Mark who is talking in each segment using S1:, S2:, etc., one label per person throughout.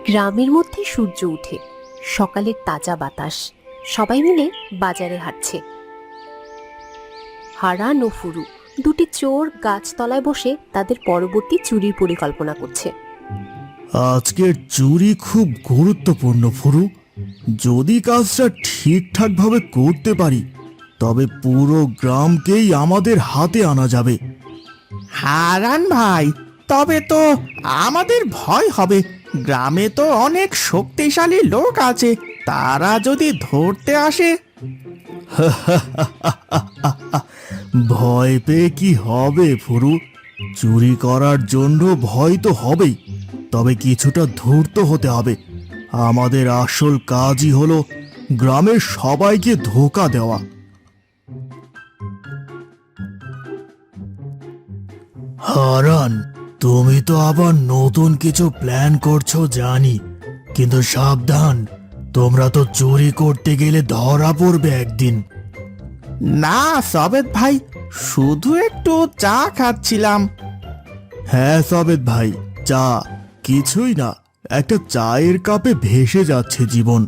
S1: গ্রামের মধ্যে সূর্য উঠে, সকালের তাজা বাতাস, সবাই মিলে বাজারে হাঁটছে। হারান ও ফুরু দুটি চোর গাছতলায় বসে তাদের পরবর্তী চুরির পরিকল্পনা করছে।
S2: আজকের চুরি খুব গুরুত্বপূর্ণ ফুরু। যদি কাজটা ঠিকঠাক ভাবে করতে পারি তবে পুরো গ্রামকেই আমাদের হাতে আনা যাবে।
S3: হারান ভাই, তবে তো আমাদের ভয় হবে। গ্রামে তো অনেক শক্তিশালী লোক আছে, তারা যদি ধরতে আসে।
S2: ভয় পেয়ে কি হবে ফুরু? চুরি করার জন্য ভয় তো হবেই, তবে কিছুটা ধূর্ত হতে হবে। আমাদের আসল কাজই হলো গ্রামের সবাইকে ধোঁকা দেওয়া। হারান, তুমি তো আবার নতুন কিছু প্ল্যান করছো জানি, কিন্তু সাবধান, তোমরা তো চুরি করতে গেলে ধরা পড়বে একদিন।
S3: না সবেত ভাই, শুধু একটু চা খাচ্ছিলাম।
S2: হ্যাঁ সবেত ভাই, চা কিছুই না, একটা চায়ের কাপে ভেসে যাচ্ছে জীবন।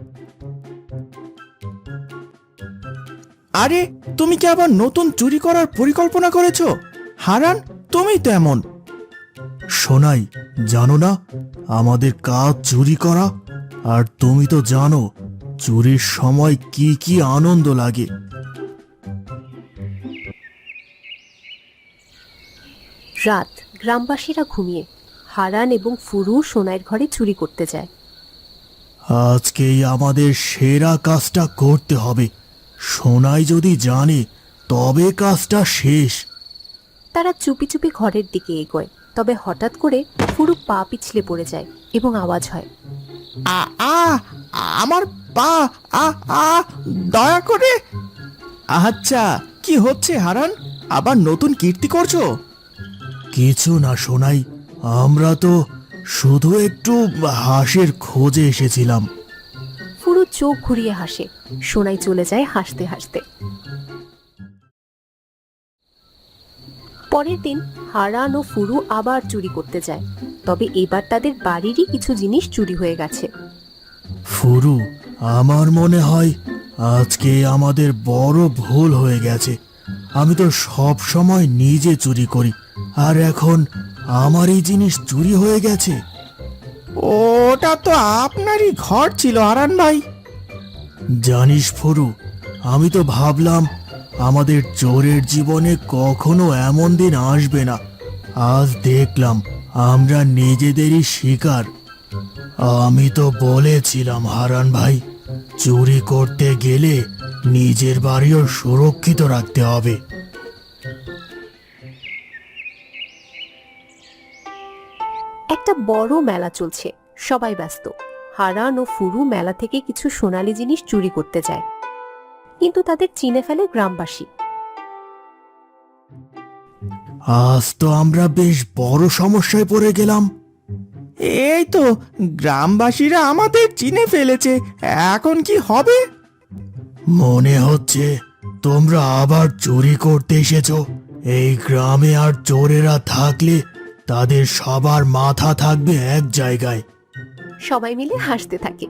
S3: আরে, তুমি কি আবার নতুন চুরি করার পরিকল্পনা করেছো? হারান, তুমি তো এমন।
S2: শোনাই, জানো না আমাদের কাজ চুরি করা? আর তুমি তো জানো চুরির সময় কি কি আনন্দ লাগে।
S1: রাত, গ্রামবাসীরা ঘুমিয়ে। হারান এবং ফুরু সোনাইয়ের ঘরে চুরি করতে যায়।
S2: আজকেই আমাদের সেরা কাজটা করতে হবে। সোনাই যদি জানে তবে কাজটা শেষ।
S1: তারা চুপি চুপি ঘরের দিকে এগোয়, তবে হঠাৎ করে ফুরু পা পিছলে পড়ে যায় এবং আওয়াজ হয়।
S3: আ আ আমার পা, আ আ দয়া করে। আচ্ছা, কি হচ্ছে হারান? আবার নতুন কীর্তি করছো?
S2: কিছু না সোনাই, আমরা তো শুধু একটু হাঁসের খোঁজে এসেছিলাম।
S1: ফুরু চোখ ঘুরিয়ে হাসে। সোনাই চলে যায় হাসতে হাসতে। পরের দিন হারান ও ফুরু আবার চুরি করতে যায়, তবে এবার তাদের বাড়িরই কিছু জিনিস চুরি হয়ে গেছে।
S2: ফুরু, আমার মনে হয় আজকে আমাদের বড় ভুল হয়ে গেছে। আমি তো সব সময় নিজে চুরি করি, আর এখন আমারই জিনিস চুরি হয়ে গেছে।
S3: ওটা তো আপনারই ঘর ছিল হারান ভাই।
S2: জানিস ফুরু, আমি তো ভাবলাম আমাদের চোরের জীবনে কখনো এমন দিন আসবে না। আজ দেখলাম আমরা নিজেদেরই শিকার। আমি তো বলেছিলাম হারান ভাই, চুরি করতে গেলে নিজের বাড়িও সুরক্ষিত রাখতে হবে।
S1: একটা বড় মেলা চলছে, সবাই ব্যস্ত। হারান ও ফুরু মেলা থেকে কিছু সোনালী জিনিস চুরি করতে যায়, কিন্তু তাদের চিনে ফেলে গ্রামবাসী।
S2: আজ তো আমরা বেশ বড় সমস্যায় পড়ে গেলাম।
S3: এই তো, গ্রামবাসীরা আমাদের চিনে ফেলেছে। এখন কি হবে?
S2: মনে হচ্ছে তোমরা আবার চুরি করতে এসেছো। এই গ্রামে আর চোরেরা থাকলে তাদের সবার মাথা থাকবে এক জায়গায়।
S1: সবাই মিলে হাসতে থাকে।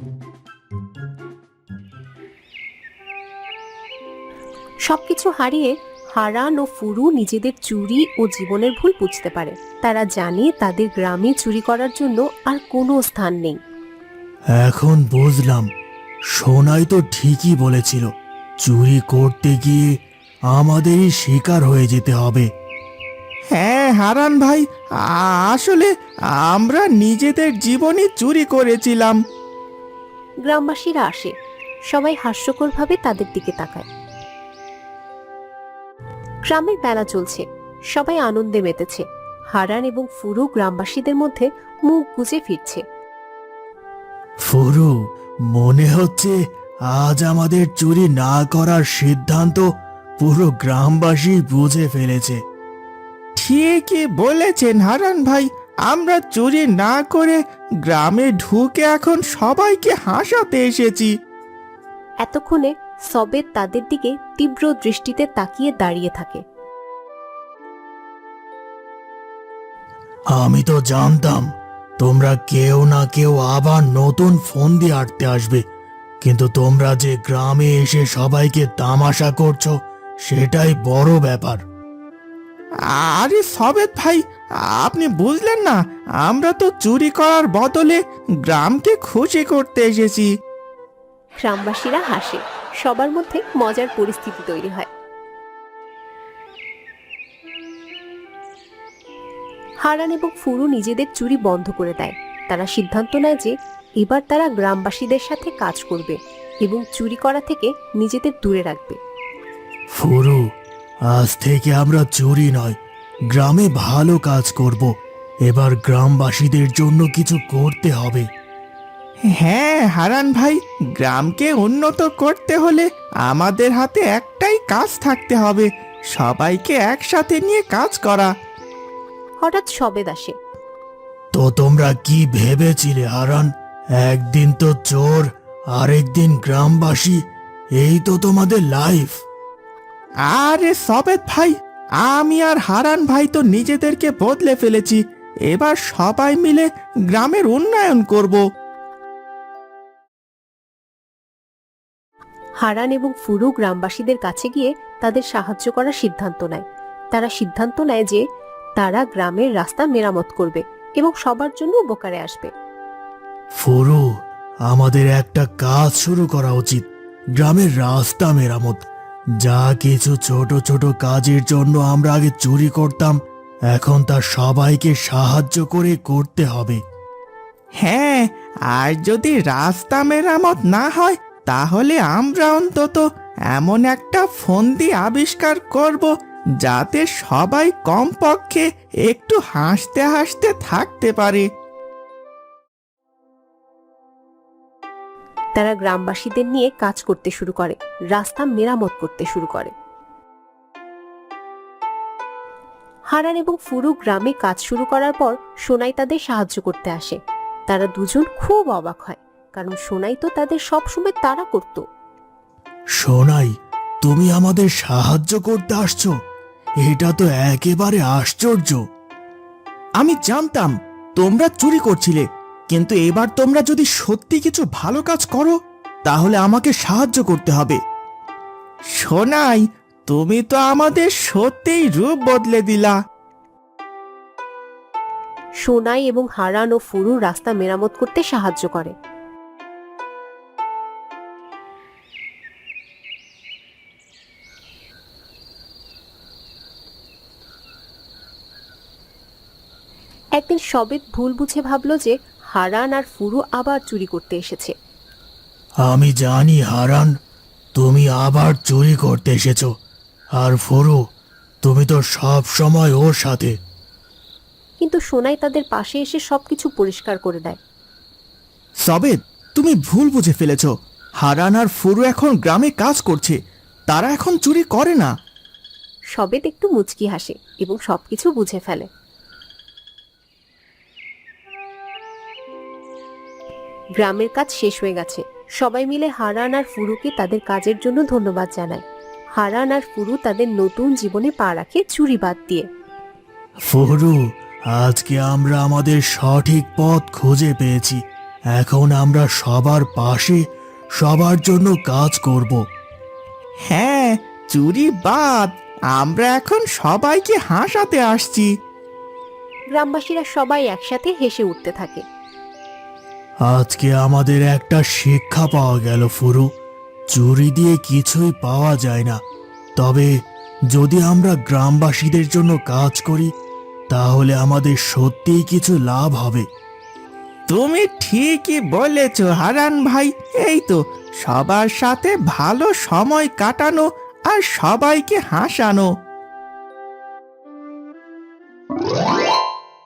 S1: সবকিছু হারিয়ে হারান ও ফুরু নিজেদের চুরি ও জীবনের ভুল বুঝতে পারে। তারা জানে তাদের গ্রামে চুরি করার জন্য আর কোনো স্থান নেই।
S2: এখন বুঝলাম, সোনাই তো ঠিকই বলেছিল, চুরি করতে গিয়ে আমাদেরই শিকার হয়ে যেতে হবে।
S3: হ্যাঁ হারান ভাই, আসলে আমরা নিজেদের জীবনই চুরি করেছিলাম।
S1: গ্রামবাসীরা আসে, সবাই হাস্যকরভাবে তাদের দিকে তাকায়। গ্রামের মেলা চলছে, সবাই আনন্দে মেতেছে। হারান এবং ফুরু গ্রামবাসীদের মধ্যে মুখ গুজে ফিরছে।
S2: ফুরু, মনে হচ্ছে আজ আমাদের চুরি না করার সিদ্ধান্ত পুরো গ্রামবাসী বুঝে ফেলেছে।
S3: ঠিকই বলেছেন হারান ভাই, আমরা চুরি না করে গ্রামে ঢুকে এখন সবাইকে হাসাতে এসেছি।
S1: এতক্ষণে সবেত তাদের দিকে তীব্র দৃষ্টিতে তাকিয়ে দাঁড়িয়ে থাকে।
S2: আমি তো জানতাম তোমরা কেউ না কেউ আবার নতুন ফোন দিয়ে আটতে আসবে, কিন্তু তোমরা যে গ্রামে এসে সবাইকে তামাশা করছো সেটাই বড় ব্যাপার।
S3: আরে সবেত ভাই, আপনি বুঝলেন না, আমরা তো চুরি করার বদলে গ্রামকে খুশি করতে এসেছি।
S1: গ্রামবাসীরা হাসে, সবার মধ্যে মজার পরিস্থিতি তৈরি হয়। হারান এবং ফুরু নিজেদের চুরি বন্ধ করে দেয়। তারা সিদ্ধান্ত নেয় যে এবার তারা গ্রামবাসীদের সাথে কাজ করবে এবং চুরি করা থেকে নিজেদের দূরে রাখবে।
S2: ফুরু, আজ থেকে আমরা চুরি নয়, গ্রামে ভালো কাজ করব। এবার গ্রামবাসীদের জন্য কিছু করতে হবে।
S3: হ্যাঁ হারান ভাই, গ্রামকে উন্নত করতে হলে আমাদের হাতে একটাই কাজ থাকতে হবে, সবাইকে একসাথে নিয়ে কাজ করা।
S1: হঠাৎ সবেদ আসে।
S2: তো তোমরা কি ভেবেছিলে হারান? একদিন তো চোর, আরেকদিন গ্রামবাসী, এই তো তোমাদের লাইফ।
S3: আরে সবেত ভাই, আমি আর হারান ভাই তো নিজেদেরকে বদলে ফেলেছি। এবার সবাই মিলে গ্রামের উন্নয়ন করব।
S1: হারান এবং ফুরু গ্রামবাসীদের কাছে গিয়ে তাদের সাহায্য করার সিদ্ধান্ত নেয়। তারা সিদ্ধান্ত নেয় যে তারা গ্রামের রাস্তা মেরামত করবে এবং সবার জন্য উপকারে আসবে।
S2: ফুরু, আমাদের একটা কাজ শুরু করা উচিত, গ্রামের রাস্তা মেরামত। যা কিছু ছোট ছোট কাজের জন্য আমরা আগে চুরি করতাম, এখন তা সবাইকে সাহায্য করে করতে হবে।
S3: হ্যাঁ, আর যদি রাস্তা মেরামত না হয় তাহলে আমরা অন্তত এমন একটা ফন্দি আবিষ্কার করব যাতে সবাই কমপক্ষে একটু হাসতে হাসতে থাকতে পারে।
S1: তারা গ্রামবাসীদের নিয়ে কাজ করতে শুরু করে, রাস্তা মেরামত করতে শুরু করে। হারান এবং ফুরু গ্রামে কাজ শুরু করার পর সোনাই তাদের সাহায্য করতে আসে। তারা দুজন খুব অবাক হয়, কারণ সোনাই তো তাদের সবসময় তাড়া করত।
S2: সোনাই, তুমি আমাদের সাহায্য করতে আসছো? এটা তো একেবারে আশ্চর্য।
S3: আমি জানতাম তোমরা চুরি করছিলে, কিন্তু এবার তোমরা যদি সত্যি কিছু ভালো কাজ করো তাহলে আমাকে সাহায্য করতে হবে। সোনাই, তুমি তো আমাদের সত্যিই রূপ বদলে দিলা।
S1: সোনাই এবং হারান ও ফুরু রাস্তা মেরামত করতে সাহায্য করে। একদিন সবেত ভুল বুঝে ভাবল যে হারান আর ফুরু আবার চুরি করতে এসেছে।
S2: আমি জানি হারান, তুমি আবার চুরি করতে এসেছো, আর ফুরু, তুমি তো সব সময় ওর সাথে।
S1: কিন্তু সোনাই তাদের পাশে এসে সবকিছু পরিষ্কার করে দেয়।
S3: সবেদ, তুমি ভুল বুঝে ফেলেছ। হারান আর ফুরু এখন গ্রামে কাজ করছে, তারা এখন চুরি করে না।
S1: সবেত একটু মুচকি হাসে এবং সবকিছু বুঝে ফেলে। গ্রামের কাজ শেষ হয়ে গেছে। সবাই মিলে হারান আর ফুরুকে তাদের কাজের জন্য ধন্যবাদ জানায়। হারান আর ফুরু তাদের নতুন জীবনে পা রাখে চুরি বাদ দিয়ে।
S2: ফুরু, আজকে আমরা আমাদের সঠিক পথ খুঁজে পেয়েছি। এখন আমরা সবার পাশে, সবার জন্য কাজ করব।
S3: হ্যাঁ, চুরি বাদ, আমরা এখন সবাইকে হাসাতে আসছি।
S1: গ্রামবাসীরা সবাই একসাথে হেসে উঠতে থাকে।
S2: আজকে আমাদের একটা শিক্ষা পাওয়া গেল ফুরু, চুরি দিয়ে কিছুই পাওয়া যায় না, তবে যদি আমরা গ্রামবাসীদের জন্য কাজ করি তাহলে আমাদের সত্যিই কিছু লাভ হবে।
S3: তুমি ঠিকই বলেছ হারান ভাই। এই তো, সবার সাথে ভালো সময় কাটানো আর সবাইকে হাসানো।